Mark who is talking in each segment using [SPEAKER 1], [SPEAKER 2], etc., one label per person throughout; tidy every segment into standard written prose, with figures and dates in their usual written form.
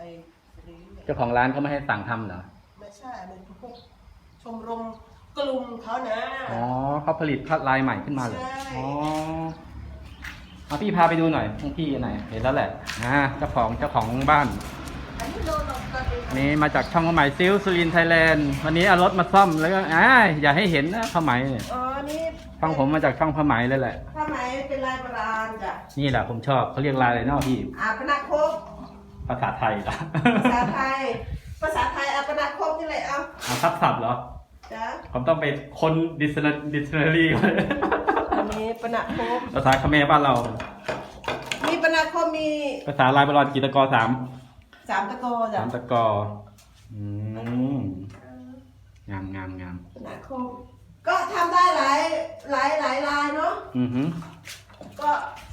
[SPEAKER 1] อ้รีเนี่ย
[SPEAKER 2] เจ้าของร้านเขาไม่ให้สั่งทำเหรอ
[SPEAKER 1] ไม่ใช่เป็นพวกชมรมกลุ่มเขานะ
[SPEAKER 2] อ๋อเขาผลิตลายใหม่ขึ้นมาเลย
[SPEAKER 1] ใช่
[SPEAKER 2] อ๋อเอาพี่พาไปดูหน่อยของพี่ไหนเห็นแล้วแหละเจ้าของบ้าน
[SPEAKER 1] อันนี้โดนเราก็เป็น
[SPEAKER 2] อันนี้มาจากช่องผ้าไหมซิลสุรินทร์ไทยแลนด์วันนี้เอารถมาซ่อมแล้วก็อย่าให้เห็นนะผ้าไหมเนี่ย
[SPEAKER 1] อ๋อนี่
[SPEAKER 2] ฟังผมมาจากช่องผ้าไหมเลยแหละ
[SPEAKER 1] ผ้าไหมเป็นลายโบราณจ้ะ
[SPEAKER 2] นี่แหละผมชอบเขาเรียกลายอะไรเนาะพี่
[SPEAKER 1] อาปนาคบ
[SPEAKER 2] ภาษาไทยเหรอ
[SPEAKER 1] ภาษาไทยอาปนาคบนี่แหละเอา
[SPEAKER 2] ทับศัพท์เหรอ
[SPEAKER 1] จ้ะ
[SPEAKER 2] ผมต้องไปค้นdictionary ก่อน
[SPEAKER 1] อันนี้ปนาคบ
[SPEAKER 2] ภาษาเขมรบ้านเรา
[SPEAKER 1] มีปนาคบมี
[SPEAKER 2] ภาษาลายโบราณกีตกรสาม
[SPEAKER 1] 3 ตะโกจ้ะ
[SPEAKER 2] สามตะกออืมงาม
[SPEAKER 1] ปนาคบก็ทำได้หลายลายเนาะ
[SPEAKER 2] อือหือ
[SPEAKER 1] ก็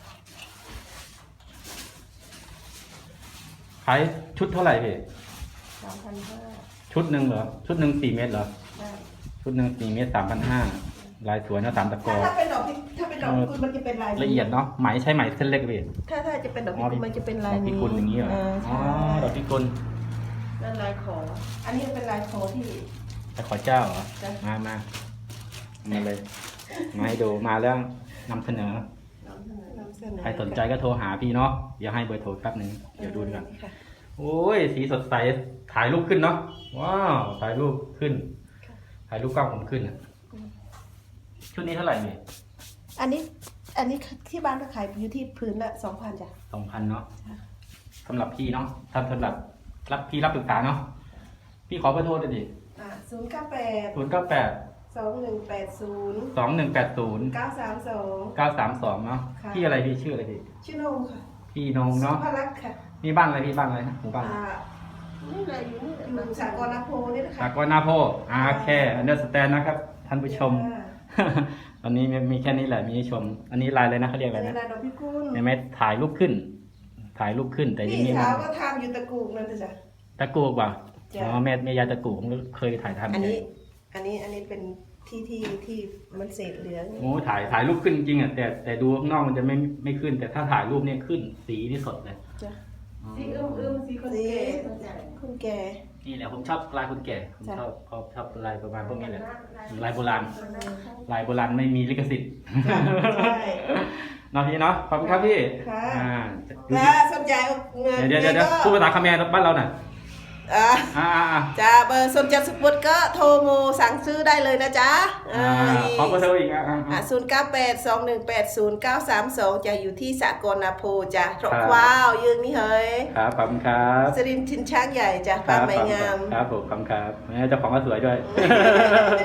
[SPEAKER 2] ขายชุดเท่าไหร่พี่
[SPEAKER 1] 3,500
[SPEAKER 2] ชุดหนึ่งเหรอ ชุดหนึ่ง4 เมตรเหรอ
[SPEAKER 1] ได้
[SPEAKER 2] ชุดหนึ่ง4 เมตร 3,500 ลายสวยนะสามตะกอ
[SPEAKER 1] ถ้าเป็นดอกคุณมันจะเป็นลาย
[SPEAKER 2] ละเอียดเนาะไหมใช้ไหมเส้นเล็กพี่
[SPEAKER 1] ถ้าจะเป็นดอกพิกุลมันจะเป็นลาย
[SPEAKER 2] ดอกพิ
[SPEAKER 1] นี้
[SPEAKER 2] กุลอย่างนี้เหรออ๋อ
[SPEAKER 1] ใช่
[SPEAKER 2] ดอกพิกุล
[SPEAKER 1] นั่นลายขออันนี้เป็นลายขอที่
[SPEAKER 2] แต่ขอเจ้าเหรอ
[SPEAKER 1] จ้ะ
[SPEAKER 2] มาเลย มาให้ดูมาแล้วนำเสนอ
[SPEAKER 1] นำเสนอ
[SPEAKER 2] ใครสนใจก็โทรหาพี่เนาะ เดี๋ยวให้เบอร์โทรแป๊บนึง เดี๋ยวดูดีกว่า
[SPEAKER 1] ค่ะ
[SPEAKER 2] โอ้ย สีสดใส ถ่ายรูปขึ้นเนาะ ว้าว ถ่ายรูปขึ้น ถ่ายรูปกล้องผมขึ้นอะชุดนี้เท่าไหร่เนี่ย
[SPEAKER 1] อันนี้ที่บ้านก็ขายอยู่ที่พื้นละ 2,000 จ้ะ
[SPEAKER 2] 2,000เนาะสำหรับพี่เนาะสำหรับพี่รับปรึกษาเนาะ พี่ขอเบอร์โทรเลยดิ
[SPEAKER 1] 098
[SPEAKER 2] 098
[SPEAKER 1] 2180
[SPEAKER 2] 2180
[SPEAKER 1] 932
[SPEAKER 2] 932เนาะ
[SPEAKER 1] ค่ะ
[SPEAKER 2] พี่อะไรพี่ชื่ออะไรพี่
[SPEAKER 1] ชื่อนงค่ะ
[SPEAKER 2] พี่นงเนาะ
[SPEAKER 1] พลักษ์ค่ะ
[SPEAKER 2] นี่บ้านอะไรพี่บ้านอะไรนะหมู่บ้าน
[SPEAKER 1] นี่แหละอยู่สากลนโพนี่นะคะ
[SPEAKER 2] อากรนาโพแค่อันเดอร์สแตนนะครับ ท่านผู้ชม ตอนนี้มีแค่นี้แหละมีให้ชม อันนี้ลายเลยนะเขาเรียกอะไร
[SPEAKER 1] เป็น
[SPEAKER 2] นะ
[SPEAKER 1] ลายดอกพิกุล
[SPEAKER 2] เห็นไหมถ่ายรูปขึ้น แต่ยัง
[SPEAKER 1] พี่
[SPEAKER 2] นี่
[SPEAKER 1] สา
[SPEAKER 2] นะ
[SPEAKER 1] วก็ทำอยู่ตะกูกนั่นจ้ะ
[SPEAKER 2] ตะกูกว่ะ
[SPEAKER 1] จ้ะ
[SPEAKER 2] อ๋อแม่ยายตะกูกผมก็เคยถ่ายทำ
[SPEAKER 1] อันนี้เป็นที่มันเศษเหลือง
[SPEAKER 2] โอ้ถ่ายรูปขึ้นจริงอ่ะแต่ดูข้างนอกมันจะไม่ขึ้น แต่ถ้าถ่ายรูปเนี่ยขึ้นสีนี่สดเลย
[SPEAKER 1] จ้ะ
[SPEAKER 2] อ๋อ
[SPEAKER 1] สีคุณแก่
[SPEAKER 2] นี่แหละผมชอบลายคนแก่ผม
[SPEAKER 1] จ้ะ
[SPEAKER 2] ชอบลายประมาณพวกนี้แหละลายโบราณลายโบราณไม่มีลิขสิทธิ์
[SPEAKER 1] ใช่
[SPEAKER 2] เนาะพี่เนาะขอบคุณครับพี่
[SPEAKER 1] ค่ะ
[SPEAKER 2] ดู
[SPEAKER 1] ถ้า
[SPEAKER 2] สิ
[SPEAKER 1] สนใจ
[SPEAKER 2] เดี๋ยวพูดภาษาเขมรบ้านเราหน่อย
[SPEAKER 1] อ่าจ้าเบอร์สนใจสปุดก็โทรโมสั่งซื้อได้เลยนะจ๊ะ
[SPEAKER 2] ขอเบอร์โทรอีก
[SPEAKER 1] 098 2180 932จะอยู่ที่สากลนาโพจ้ะตรอกว้าวยืนนี่เฮ้ย
[SPEAKER 2] ครับขอบคุณครับ
[SPEAKER 1] สรินทร์ชินช้างใหญ่จ้ะป้าไม้งาม
[SPEAKER 2] ครับผมขอบคุณครับเจ้าของก็สวยด้วย